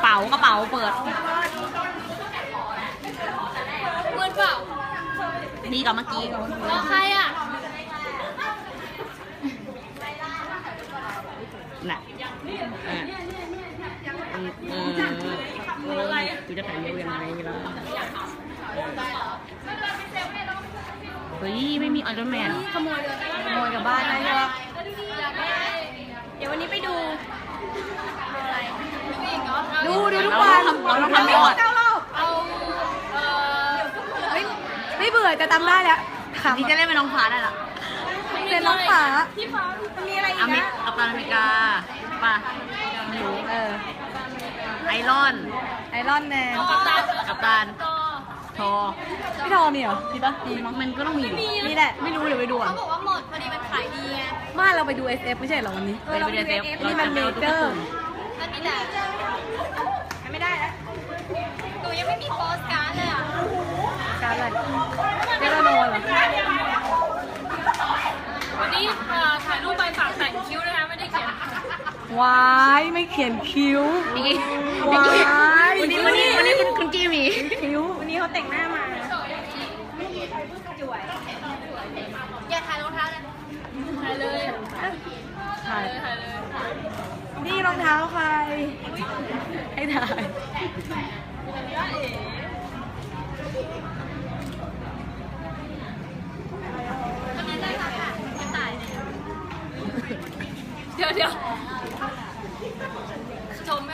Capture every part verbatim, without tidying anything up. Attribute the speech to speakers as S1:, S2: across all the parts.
S1: ป๋ากระเป๋าเปิด
S2: เปิดเปล่า
S1: ดีกว่าเมื่อกี้
S2: รอใครอ่ะ
S1: น่ะอ่ะเออเออกูจะถ่ายเร็วยังไงล่ะเฮ้ยไม่มีไอรอนแมน
S2: ขโมยเลย
S3: ขโมยกับบ้านได้ใช่ปะ
S2: เดี๋ยววันนี้ไปดูอะไร
S3: ดูดูทุกวัน
S1: เราต้องทำก่อน
S3: เก้ารอบ
S2: เอาเอ่อ
S3: เฮ้ยไม่เบื่อจะจำได้แล้วขำ
S1: นี่จะเล่นเป็นน้องฟ้าได้ละ
S3: เป็นน้องฟ้า
S2: ที่ฟ้า
S3: มันมีอะไรอี
S1: อก เมริ
S3: นะ
S1: กัปตันอเมริกาป่ะไม่รู้
S3: เออ
S1: ไอรอน
S3: ไอรอนแมน
S2: กัปตัน
S1: กัปตัน
S2: ก็
S1: ทอ
S3: พี่ทอมีเหรอมีปะมีมั้ง
S1: มันก็ต้องมีอยู่
S3: นี่แหละ
S1: ไม่รู้เดี๋ยวไปดูอ่ะ
S2: เขาบอกว่าหมดพอดีมันขายดีไง
S3: มาเราไปดู เอส เอฟ ไม่ใช่เหรอวันนี้
S1: ไปดูเดฟ
S3: นี่มันเมเจอร์
S2: ก็นี่แหละ
S3: ไม่ได้แล้ว
S2: หนูยังไม่มีโปสการ์ดเลยอ่ะ
S3: การอะไรเจลาโนเหรอ
S2: วันนี้ถ่ายรูปใบฝากแต่งคิ้วนะคะไม่ได้เขียน
S3: วายไม่เขียนคิ้ว
S1: นี่
S3: วาย
S1: วันนี้วันนี้วันนี้คุณคุณกี้มี
S3: คิ้ววันนี้เขาแต่งหน้ามา
S2: อย่าถ่ายรองเท้าเลยถ่ายเลย
S3: ถ่าย
S2: ถ่ายเลย
S3: นี่รองเท้าใคร ให้ถ่าย
S2: วันนี้ได้ค่ะไม่ตายเดี๋ยวเดี๋ยวชมไหม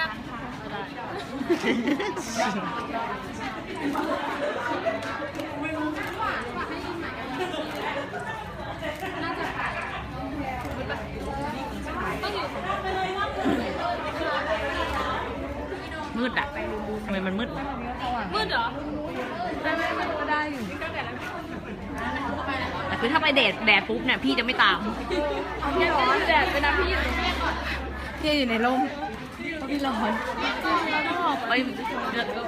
S1: มืดอ่ะทำไมมันมืด
S2: มืดเหรอ
S3: ได้ไหมมันก็ได้อยู่
S1: แต่คือถ้าไปแดดแดดปุ๊บเนี่ยพี่จะไม่ตาม
S3: เอาพี่ร้อนแดดเป็นน้ำพี่อยู่พี่อยู่ในร่มเพราะพี่ร้อน
S1: ไป